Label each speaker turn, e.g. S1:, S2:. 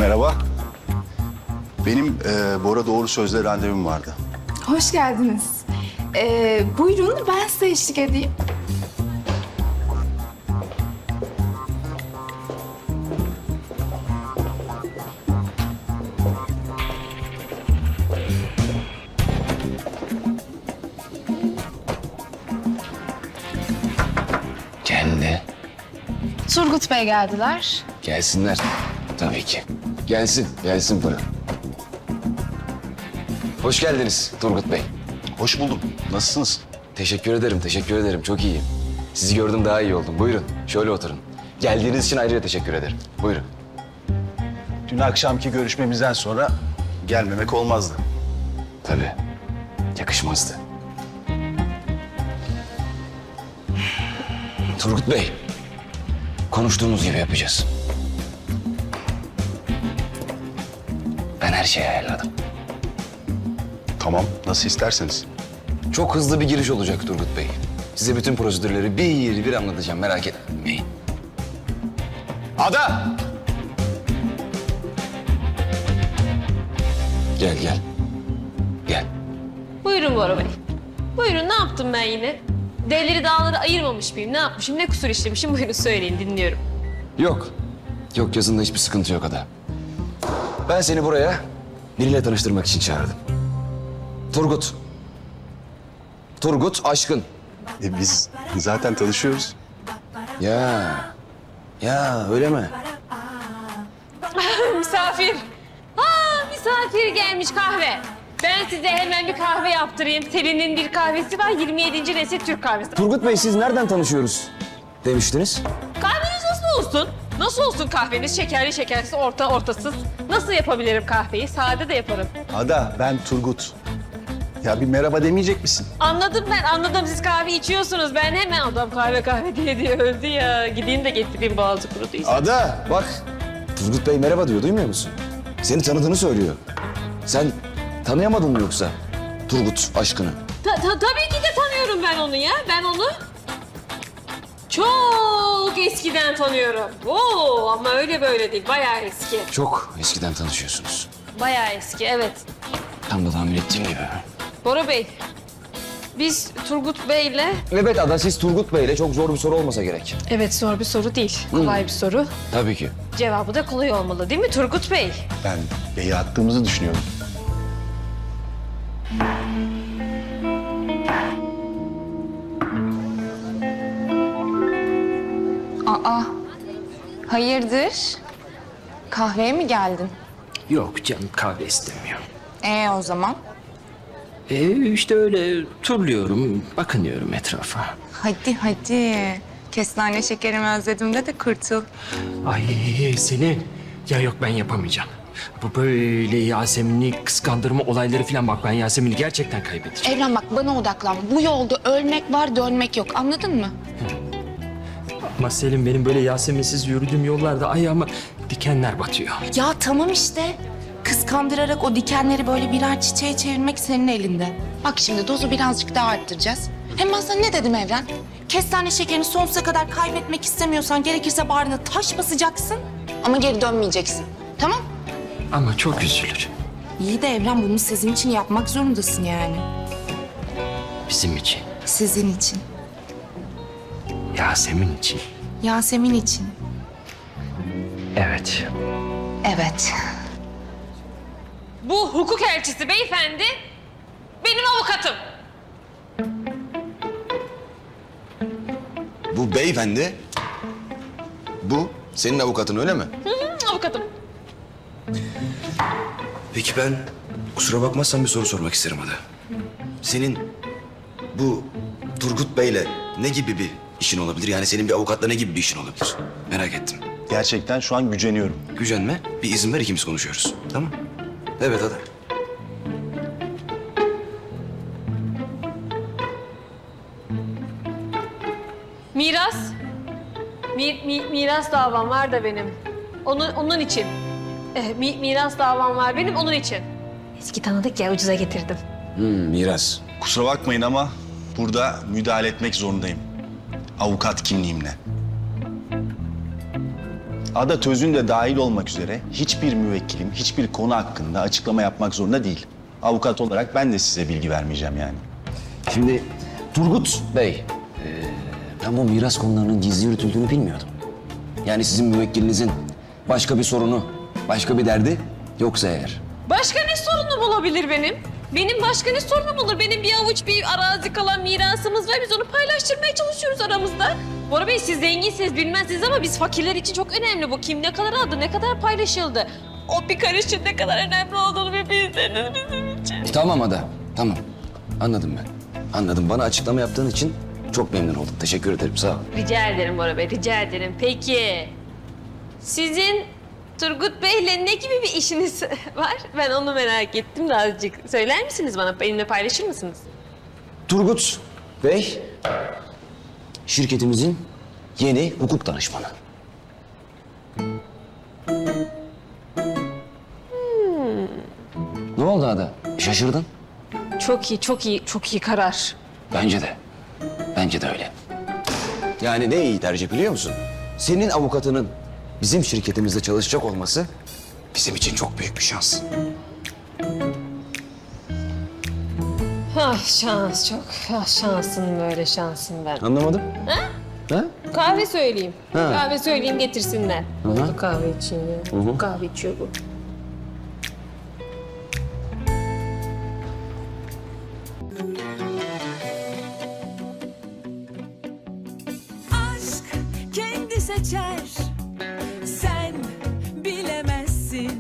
S1: Merhaba. Benim Bora Doğru Söz'le randevum vardı.
S2: Hoş geldiniz. Buyurun ben size eşlik edeyim.
S3: Geldi.
S2: Turgut Bey geldiler.
S3: Gelsinler. Tabii ki. Gelsin buyurun. Hoş geldiniz Turgut Bey.
S1: Hoş buldum. Nasılsınız?
S3: Teşekkür ederim. Çok iyiyim. Sizi gördüm daha iyi oldum. Buyurun, şöyle oturun. Geldiğiniz için ayrıca teşekkür ederim. Buyurun.
S1: Dün akşamki görüşmemizden sonra gelmemek olmazdı.
S3: Tabii, yakışmazdı. Turgut Bey, konuştuğumuz gibi yapacağız. Ben her şeyi ayarladım.
S1: Tamam, nasıl isterseniz.
S3: Çok hızlı bir giriş olacak Turgut Bey. Size bütün prosedürleri bir anlatacağım, merak etmeyin. Ada! Gel.
S4: Buyurun Bora Bey. Buyurun, ne yaptım ben yine? Devleri dağları ayırmamış mıyım? Ne yapmışım? Ne kusur işlemişim? Buyurun söyleyin, dinliyorum.
S3: Yok yazında hiçbir sıkıntı yok Ada. Ben seni buraya biriyle tanıştırmak için çağırdım. Turgut Aşkın.
S1: Biz zaten tanışıyoruz.
S3: Ya öyle mi?
S4: Misafir. Misafir gelmiş kahve. Ben size hemen bir kahve yaptırayım. Selin'in bir kahvesi var, 27. nesil Türk kahvesi.
S3: Turgut Bey siz nereden tanışıyoruz demiştiniz?
S4: Kahveniz nasıl olsun? Nasıl olsun kahveniz? Şekerli, şekersiz, ortasız. Nasıl yapabilirim kahveyi? Sade de yaparım.
S1: Ada, ben Turgut. Ya bir merhaba demeyecek misin?
S4: Anladım ben, anladım. Siz kahve içiyorsunuz. Ben hemen adam kahve diye öldü ya. Gideyim de getireyim, boğazı kuruduysa.
S3: Ada bak. Turgut Bey merhaba diyor, duymuyor musun? Seni tanıdığını söylüyor. Sen tanıyamadın mı yoksa Turgut Aşkın'ı?
S4: Tabii ki de tanıyorum ben onu ya. Ben onu çok eskiden tanıyorum. Oo, ama öyle böyle değil. Bayağı eski.
S3: Çok eskiden tanışıyorsunuz.
S4: Bayağı eski, evet.
S3: Tam da tahmin ettiğim gibi.
S4: Bora Bey, biz Turgut Bey'le...
S3: Evet Ada, siz Turgut Bey'le çok zor bir soru olmasa gerek.
S4: Evet, zor bir soru değil. Kolay bir soru.
S3: Tabii ki.
S4: Cevabı da kolay olmalı değil mi Turgut Bey?
S1: Ben Bey'i attığımızı düşünüyorum.
S2: Aa, hayırdır? Kahveye mi geldin?
S5: Yok canım, kahve istemiyor.
S2: O zaman?
S5: İşte öyle turluyorum, bakınıyorum etrafa.
S2: Hadi. Kestane şekerimi özledim de kırtıl.
S5: Ay Selin, ya yok ben yapamayacağım. Bu böyle Yasemin'i kıskandırma olayları falan, bak ben Yasemin'i gerçekten kaybedeceğim.
S6: Evren bak bana odaklan. Bu yolda ölmek var, dönmek yok. Anladın mı?
S5: Ama Selin, benim böyle Yasemin'siz yürüdüğüm yollarda ayağıma dikenler batıyor.
S6: Ya tamam işte. Kıskandırarak o dikenleri böyle birer çiçeğe çevirmek senin elinde. Bak şimdi dozu birazcık daha arttıracağız. Hem ben sana ne dedim Evren? Kestane şekerini sonsuza kadar kaybetmek istemiyorsan gerekirse bağrına taş basacaksın. Ama geri dönmeyeceksin. Tamam?
S5: Ama çok üzülür.
S6: İyi de Evren bunu sizin için yapmak zorundasın yani.
S5: Bizim için,
S6: Sizin için.
S5: Yasemin için.
S6: Yasemin için.
S5: Evet.
S6: Evet.
S4: Bu hukuk elçisi beyefendi benim avukatım.
S3: Bu beyefendi, bu senin avukatın öyle mi?
S4: Avukatım.
S3: Peki ben kusura bakmazsan bir soru sormak isterim Ada. Senin bu Turgut Bey'le ne gibi bir işin olabilir? Yani senin bir avukatla ne gibi bir işin olabilir? Merak ettim.
S1: Gerçekten şu an güceniyorum.
S3: Gücenme, bir izin ver ikimiz konuşuyoruz. Tamam? Evet Ada.
S4: Miras. Miras davam var da benim. Onun için. Miras davam var benim, onun için. Eski tanıdık ya, ucuza getirdim.
S3: Miras.
S1: Kusura bakmayın ama burada müdahale etmek zorundayım. Avukat kimliğimle. Ada Tözün de dahil olmak üzere hiçbir müvekkilim hiçbir konu hakkında açıklama yapmak zorunda değil. Avukat olarak ben de size bilgi vermeyeceğim yani.
S3: Şimdi Turgut Bey, ben bu miras konularının gizli yürütüldüğünü bilmiyordum. Yani sizin müvekkilinizin başka bir sorunu, başka bir derdi yoksa eğer.
S4: Başka ne sorunum olabilir benim? Benim başka ne sorunum olur? Benim bir avuç bir arazi kalan mirasımız var. Biz onu paylaştırmaya çalışıyoruz aramızda. Bora Bey siz zenginsiniz bilmezsiniz ama biz fakirler için çok önemli bu. Kim ne kadar aldı, ne kadar paylaşıldı. O bir karışın ne kadar önemli olduğunu bir bilseniz bizim için.
S3: Tamam Ada, tamam. Anladım ben. Anladım. Bana açıklama yaptığın için çok memnun oldum. Teşekkür ederim, sağ ol.
S4: Rica ederim Bora Bey, rica ederim. Peki, sizin Turgut Bey'le ne gibi bir işiniz var? Ben onu merak ettim de azıcık. Söyler misiniz bana? Benimle paylaşır mısınız?
S3: Turgut Bey, şirketimizin yeni hukuk danışmanı. Ne oldu Ada? Şaşırdın?
S4: Çok iyi, çok iyi, çok iyi karar.
S3: Bence de. Bence de öyle. Yani ne iyi tercih biliyor musun? Senin avukatının bizim şirketimizde çalışacak olması bizim için çok büyük bir şans.
S4: Ah şans çok. Ah şansın böyle şansın ben.
S3: Anlamadım. Ha?
S4: Kahve söyleyeyim.
S3: Ha.
S4: Kahve söyleyeyim getirsinler.
S3: Hı.
S4: Kahve için ya. Kahve içiyor bu.